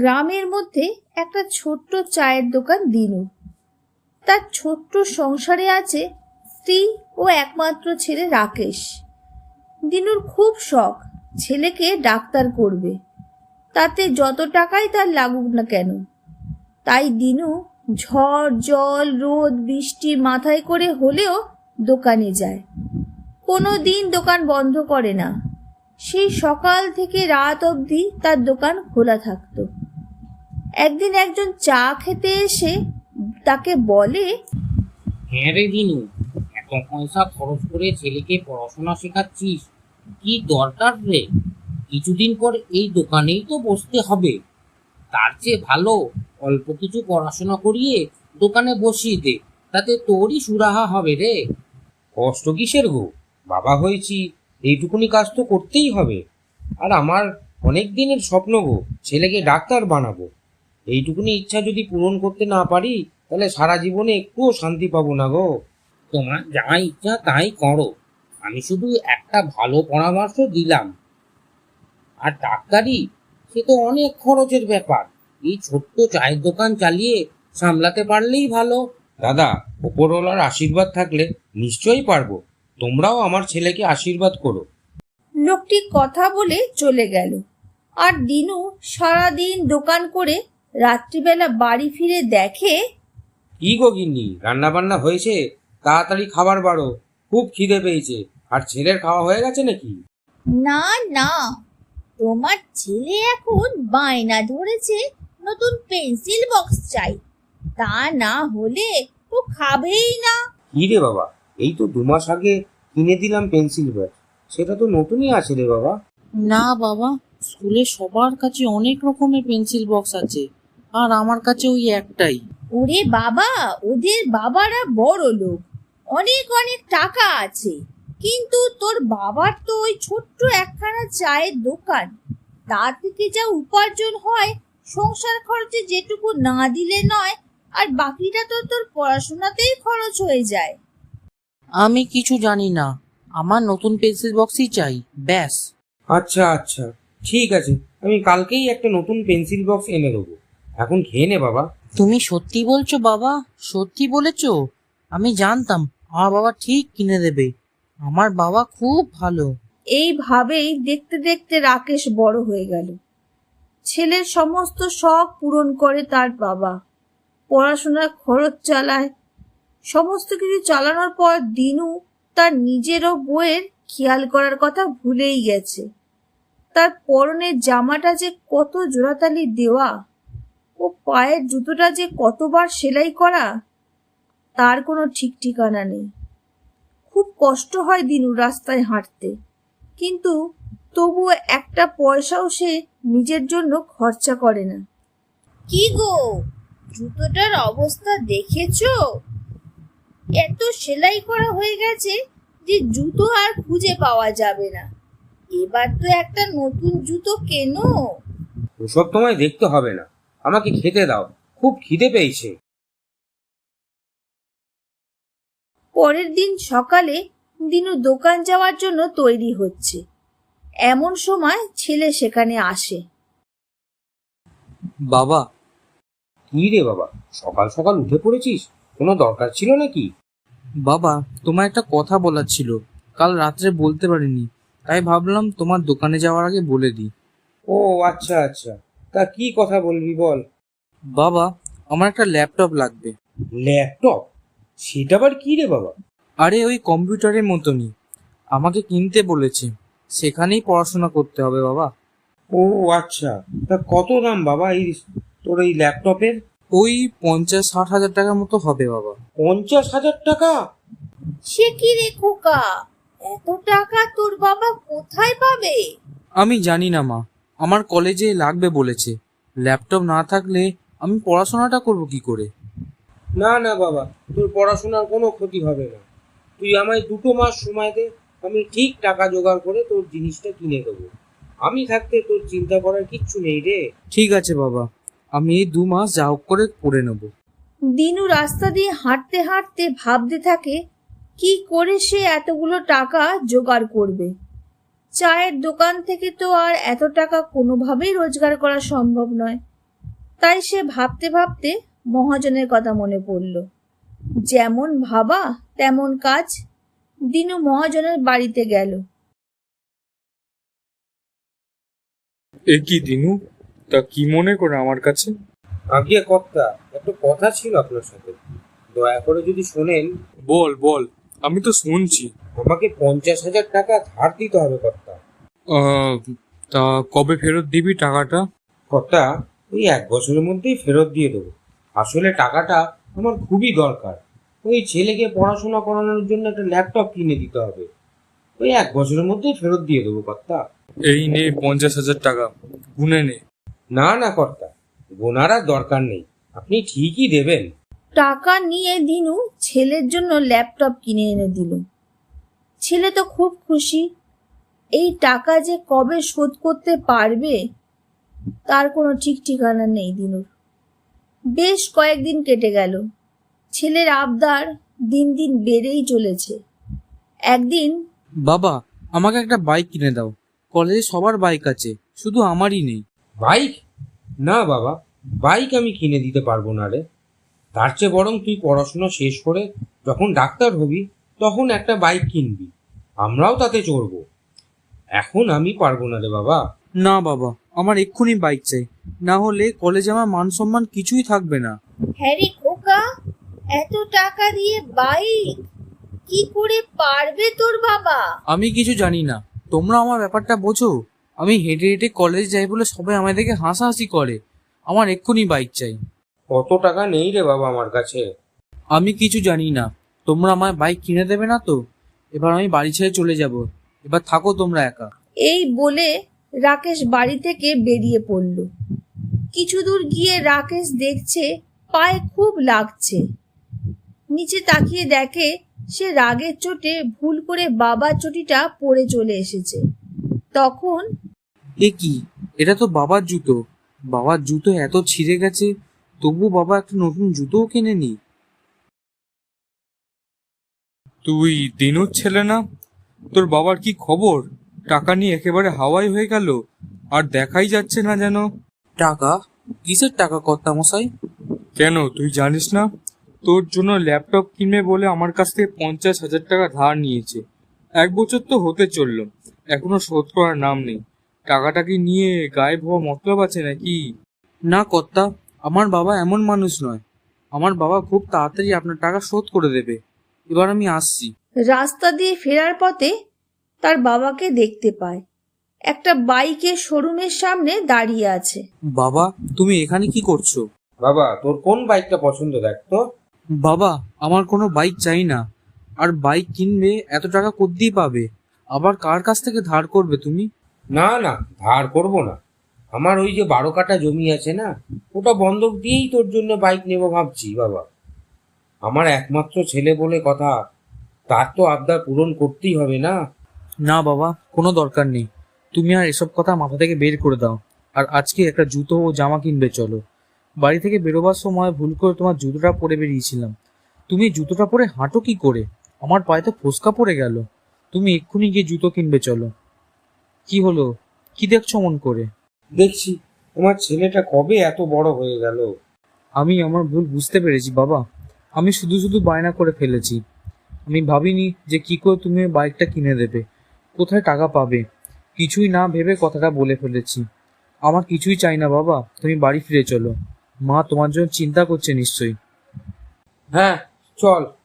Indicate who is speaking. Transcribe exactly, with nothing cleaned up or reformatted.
Speaker 1: গ্রামের মধ্যে একটা ছোট্ট চায়ের দোকান দিনু। তার ছোট্ট সংসারে আছে স্ত্রী ও একমাত্র ছেলে রাকেশ। দিনুর খুব শখ ছেলেকে ডাক্তার করবে, তাতে যত টাকাই তার লাগুক না কেন। তাই দিনু ঝড় জল রোদ বৃষ্টি মাথায় করে হলেও দোকানে যায়। কোনো দিন দোকান বন্ধ করে না। সেই সকাল থেকে রাত অবধি তার দোকান খোলা থাকতো। একদিন একজন চা খেতে এসে তাকে বলে,
Speaker 2: হ্যাঁ রে দিনু, এত পয়সা খরচ করে ছেলেকে পড়াশোনা শেখাচ্ছিস, কি দরকার রে? কিছুদিন পর এই দোকানেই তো বসতে হবে। তার চেয়ে ভালো অল্প কিছু পড়াশোনা করিয়ে দোকানে বসিয়ে দে, তাতে তোরই সুরাহা হবে রে।
Speaker 3: কষ্ট কিসের গো, বাবা হয়েছি, এইটুকুনি কাজ তো করতেই হবে। আর আমার অনেক দিনের স্বপ্ন গো, ছেলেকে ডাক্তার বানাবো। এইটুকুনি ইচ্ছা যদি পূরণ করতে না পারি তাহলে সারা জীবনে একটুও শান্তি পাবো না গো।
Speaker 2: তোমার যা ইচ্ছা তাই করো, আমি শুধু একটা ভালো পরামর্শ দিলাম। আর ডাক্তারি সে তো অনেক খরচের ব্যাপার, এই ছোট্ট চায়ের দোকান চালিয়ে সামলাতে পারলেই ভালো।
Speaker 3: দাদা, ওপরওয়ালার আশীর্বাদ থাকলে নিশ্চয়ই পারবো। তোমরাও আমার ছেলেকে আশীর্বাদ করো।
Speaker 1: লোকটি কথা বলে চলে গেল। আর দিনু সারাদিন দোকান করে রাত্রিবেলা বাড়ি ফিরে দেখে,
Speaker 3: কি গো গিন্নি, রান্না বান্না হয়েছে? তাড়াতাড়ি খাবার বাড়ো, খুব খিদে পেয়েছে। আর ছেলের খাওয়া হয়ে গেছে নাকি?
Speaker 1: না না, তোমার ছেলে এখন বায়না ধরেছে নতুন পেন্সিল বক্স চাই, তা না হলে ও খাবেই না।
Speaker 3: কি রে বাবা, এই তো দু মাস আগে কিনে দিলাম পেন্সিল বক্স, সেটা তো নতুনই আছে রে বাবা।
Speaker 4: না বাবা, স্কুলে সবার কাছে অনেক রকমের পেন্সিল বক্স আছে, আর আমার কাছে ওই একটাই।
Speaker 1: ওরে বাবা, ওদের বাবারা বড় লোক, অনেক অনেক টাকা আছে, কিন্তু তোর বাবার তো ওই ছোট্ট একখানা চায়ের দোকান, তা থেকে যা উপার্জন হয় সংসার খরচে যেটুকু না দিলে নয়, আর বাকিটা তো তোর পড়াশোনাতেই খরচ হয়ে যায়।
Speaker 4: আমি কিছু জানি না, আমার নতুন পেন্সিল বক্সই চাই, ব্যাস।
Speaker 3: আচ্ছা আচ্ছা, ঠিক আছে, আমি কালকেই একটা নতুন পেন্সিল বক্স এনে দেবো। এখন খেয়ে নে বাবা।
Speaker 4: তুমি সত্যি বলছো বাবা? সত্যি বলেছো? আমি জানতাম আমার বাবা ঠিক কিনে দেবে। আমার বাবা খুব ভালো।
Speaker 1: এইভাবেই দেখতে দেখতে রাকেশ বড় হয়ে গেল। ছেলের সমস্ত শখ পূরণ করে তার বাবা, পড়াশোনার খরচ চালায়। সমস্ত কিছু চালানোর পর দিনু তার নিজেরও বইয়ের খেয়াল করার কথা ভুলেই গেছে। তার পরনের জামাটা যে কত জোড়াতালি দেওয়া, ও পায়ের জুতোটা যে কতবার সেলাই করা, তার কোনো ঠিক ঠিকানা নেই। খুব কষ্ট হয় দিনু রাস্তায় হাঁটতে, কিন্তু তবুও একটা পয়সাও সে নিজের জন্য খরচা করে না। কি গো, জুতোটার অবস্থা দেখেছো? এত সেলাই করা হয়ে গেছে যে জুতো আর খুঁজে পাওয়া যাবে না। এবার তো একটা নতুন জুতো কেনো।
Speaker 3: ওসব তোমায় দেখতে হবে না, আমাকে খেতে দাও, খুব খিদে পেয়েছে।
Speaker 1: পরের দিন সকালে দিনু দোকান যাওয়ার জন্য তৈরি হচ্ছে, এমন সময় ছেলে সেখানে আসে।
Speaker 4: বাবা।
Speaker 3: কি রে বাবা, সকাল সকাল উঠে পড়েছিস? কোনো দরকার ছিল নাকি?
Speaker 4: বাবা, তোমার একটা কথা বলার ছিল, কাল রাত্রে বলতে পারিনি, তাই ভাবলাম তোমার দোকানে যাওয়ার আগে বলে দিই।
Speaker 3: ও আচ্ছা আচ্ছা, তা কি কথা বলবি বল।
Speaker 4: বাবা, আমার একটা ল্যাপটপ লাগবে।
Speaker 3: ল্যাপটপ? সেটা আবার কি রে বাবা?
Speaker 4: আরে ওই কম্পিউটারের মতনই, আমাকে কিনতে বলেছে, সেখানেই পড়াশোনা করতে হবে বাবা।
Speaker 3: ও আচ্ছা, তা কত দাম বাবা এই তোর এই ল্যাপটপের?
Speaker 4: ওই পঞ্চাশ ষাট হাজার টাকার মতো হবে বাবা।
Speaker 3: পঞ্চাশ হাজার টাকা?
Speaker 1: সে কি রে খোকা, এত টাকা তোর বাবা কোথায় পাবে?
Speaker 4: আমি জানি না মা, আমার কলেজে লাগবে বলেছে। ল্যাপটপ না থাকলে আমি পড়াশোনাটা করব কি করে?
Speaker 3: না না বাবা, তোর পড়াশোনার কোনো ক্ষতি হবে না। তুই আমায় দুটো মাস সময় দে, আমি ঠিক টাকা জোগাড় করে তোর জিনিসটা কিনে দেবো। আমি থাকতে তোর চিন্তা করার কিচ্ছু নেই রে।
Speaker 4: ঠিক আছে বাবা, আমি এই দু মাস যা হোক করে পড়ে নেব।
Speaker 1: দিনু রাস্তা দিয়ে হাঁটতে হাঁটতে ভাবতে থাকে কি করে সে এতগুলো টাকা জোগাড় করবে। চায়ের দোকান থেকে তো আর এত টাকা কোনোভাবেই রোজগার করা সম্ভব নয়। তাই সে ভাবতে ভাবতে মহাজনের কথা মনে পড়ল। যেমন ভাবা তেমন কাজ। দিনু মহাজনের বাড়িতে গেল।
Speaker 5: এ কি দিনু, তা কি মনে করে আমার কাছে?
Speaker 3: আগে কর্তা, একটা কথা ছিল আপনার সাথে, দয়া করে যদি শোনেন।
Speaker 5: বল বল, আমি তো শুনছি।
Speaker 3: আমাকে পঞ্চাশ হাজার টাকা ধার দিতে হবে কর্তা।
Speaker 5: আহ, তা কবে ফেরত দিবি টাকাটা?
Speaker 3: কর্তা, ওই এক বছরের মধ্যেই ফেরত দিয়ে দেবো। আসলে টাকাটা আমার খুবই দরকার। ওই ছেলেকে পড়াশোনা করানোর জন্য একটা ল্যাপটপ কিনে দিতে হবে। ওই এক বছরের মধ্যেই ফেরত দিয়ে দেবো কর্তা।
Speaker 5: এই নে পঞ্চাশ হাজার টাকা, গুনে নে।
Speaker 3: না না কর্তা, গোনার আর দরকার নেই, আপনি ঠিকই দেবেন।
Speaker 1: টাকা নিয়ে দিনু ছেলের জন্য ল্যাপটপ কিনে এনে দিল। ছেলে তো খুব খুশি। এই টাকা যে কবে শোধ করতে পারবে তার কোনো ঠিক ঠিকানা নেই দিনুর। বেশ কয়েকদিন কেটে গেল। ছেলের আবদার দিন দিন বেড়েই চলেছে। একদিন
Speaker 4: বাবা, আমাকে একটা বাইক কিনে দাও। কলেজে সবার বাইক আছে, শুধু আমারই নেই।
Speaker 3: বাইক? না বাবা, বাইক আমি কিনে দিতে পারবো না রে। তার চেয়ে বরং তুই পড়াশোনা শেষ করে যখন ডাক্তার হবি তখন একটা বাইক কিনবি, আমরাও তাতে চড়বো। এখন আমি পারবো না রে বাবা।
Speaker 4: না বাবা, আমার এক্ষুনি বাইক চাই, না হলে কলেজে আমার মান সম্মান কিছুই থাকবে না।
Speaker 1: হ্যারি খোকা, এত টাকা দিয়ে বাইক কি করে পারবে তোর বাবা?
Speaker 4: আমি কিছু জানি না, তোমরা আমার ব্যাপারটা বোঝো। আমি হেঁটে হেঁটে কলেজ যাই বলে সবাই আমাদেরকে হাসাহাসি করে। আমার এক্ষুনি বাইক চাই।
Speaker 3: অত টাকা নেই রে বাবা আমার কাছে।
Speaker 4: আমি কিছু জানি না, তোমরা আমার বাইক কিনে দেবে না তো? এবার আমি বাড়ি ছেড়ে চলে যাব। এবার থাকো তোমরা একা।
Speaker 1: এই বলে রাকেশ বাড়ি থেকে বেরিয়ে পড়ল। কিছু দূর গিয়ে রাকেশ দেখছে পায়ে খুব লাগছে। নিচে তাকিয়ে দেখে সে রাগের চোটে ভুল করে বাবার চটিটা পড়ে চলে এসেছে। তখন
Speaker 4: এ কি, এটা তো বাবার জুতো। বাবার জুতো এত ছিঁড়ে গেছে, তবু বাবা একটা নতুন জুতোও কেনেনি।
Speaker 5: তুই দিনুর ছেলে না? তোর বাবার কি খবর? টাকা নিয়ে একেবারে হাওয়াই হয়ে গেল, আর দেখাই যাচ্ছে না যেন।
Speaker 4: টাকা? কিসের টাকা কর্তা মশাই?
Speaker 5: কেন তুই জানিস না? তোর জন্য ল্যাপটপ কিনবে বলে আমার কাছ থেকে পঞ্চাশ হাজার টাকা ধার নিয়েছে। এক বছর তো হতে চললো, এখনো শোধ করার নাম নেই। টাকাটা কি নিয়ে গায়েব হওয়া মতলব আছে নাকি?
Speaker 4: না কর্তা, আমার বাবা এমন মানুষ নয়। আমার বাবা খুব তাড়াতাড়ি আপনার টাকা শোধ করে দেবে। এবার আমি আসছি।
Speaker 1: রাস্তা দিয়ে ফেরার পথে তার বাবাকে দেখতে পায়, একটা বাইকের শোরুমের সামনে দাঁড়িয়ে আছে।
Speaker 4: বাবা, তুমি এখানে কি করছো?
Speaker 3: বাবা, তোর কোন বাইকটা পছন্দ দেখ তো।
Speaker 4: বাবা, আমার কোনো বাইক চাই না। আর বাইক কিনবে এত টাকা কোত্থেকে পাবে? আবার কার কাছ থেকে ধার করবে তুমি?
Speaker 3: না না, ধার করবো না। আমার ওই যে বারো কাঠা জমি আছে না, ওটা বন্ধক দিয়েই তোর জন্য বাইক নেবো ভাবছি বাবা। আমার একমাত্র ছেলে বলে কথা, তার তো আবদার পূরণ করতেই হবে না।
Speaker 4: না বাবা, কোনো দরকার নেই। তুমি আর এসব কথা মাথা থেকে বের করে দাও। আর আজকে একটা জুতো ও জামা কিনবে চলো। বাড়ি থেকে বেরোবার সময় ভুল করে তোমার জুতোটা পরে বেরিয়েছিলাম। তুমি জুতোটা পরে হাঁটো কি করে? আমার পায়ে তো ফোসকা পড়ে গেল। তুমি এক্ষুনি গিয়ে জুতো কিনবে চলো। কি হলো, কি দেখছো মন করে?
Speaker 3: দেখছি তোমার ছেলেটা কবে এত বড় হয়ে গেল।
Speaker 4: আমি আমার ভুল বুঝতে পেরেছি বাবা। আমি শুধু শুধু বায়না করে ফেলেছি। আমি ভাবিনি যে কি করে তুমি ওই বাইকটা কিনে দেবে, কোথায় টাকা পাবে। কিছুই না ভেবে কথাটা বলে ফেলেছি। আমার কিছুই চাই না বাবা, তুমি বাড়ি ফিরে চলো। মা তোমার জন্য চিন্তা করছে নিশ্চয়ই।
Speaker 3: হ্যাঁ চল।